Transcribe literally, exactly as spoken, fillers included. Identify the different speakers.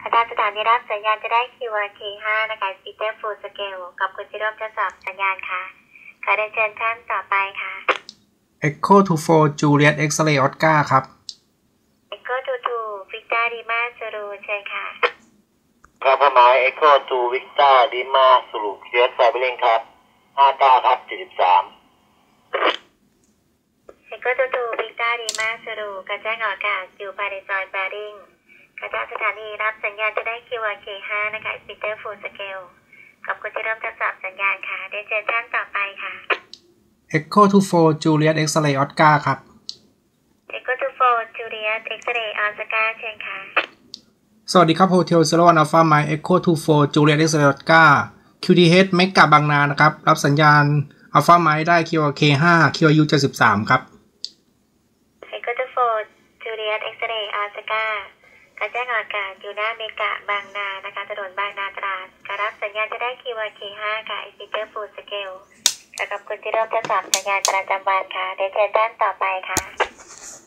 Speaker 1: ทางสถานีรับสัญญาณจะได้ คิว อาร์ เค ห้า นะคะ Speaker Full Scale กับคุณที่ร่วมทดสอบสัญญาณค่ะขอเรียนเชิญท่านต่อไปค่ะ
Speaker 2: Echo ทู โฟร์ Juliet X-ray Oscar ครับ
Speaker 1: Echo ทู ทู Victor Lima Zulu เชิญค่ะ
Speaker 3: ครับหมาย Echo ทู Victor Lima Zulu เชื้อสายไปเร่งครับห้าเก้าครับเจ็ดสิบสาม
Speaker 1: Echo ทู ทู Victor Lima Zulu กระแจ้งออกอากาศอยู่ภายในซอยแบริ่งกระจายสถานีรับสัญญาณจะได้ คิว อาร์ เค ห้า นะคะ Speaker Full Scale กับคุณที่เริ่มทดสอบสัญญาณค่ะเดี๋ยวเชิญท่านต่อไปค่ะ
Speaker 2: Echo ทู โฟร์ Juliet X-ray Oscar ครับ
Speaker 1: Echo ทู โฟร์ Juliet X-ray Oscar เชิญค่ะ
Speaker 2: สวัสดีครับ Hotel Zero One Alpha Mike Echo ทู โฟร์ Juliet X-ray Oscar คิว ที เอช เมกะบางนานะครับรับสัญญาณ Alpha Mike ได้ คิว อาร์ เค ห้า คิว อาร์ ยู เจ็ดสิบสามครับ
Speaker 1: Echo ทู โฟร์ Juliet X-ray Oscar กระแจ้งออกอากาศอยู่หน้าเมกะบางนานะคะถนนบางนาตราดการรับสัญญาณจะได้ คิว อาร์ เค ห้า ค่ะ Speaker Full Scale กับคุณที่เริ่มทดสอบสัญญาณประจำวันค่ะเดี๋ยวเชิญท่านต่อไปค่ะ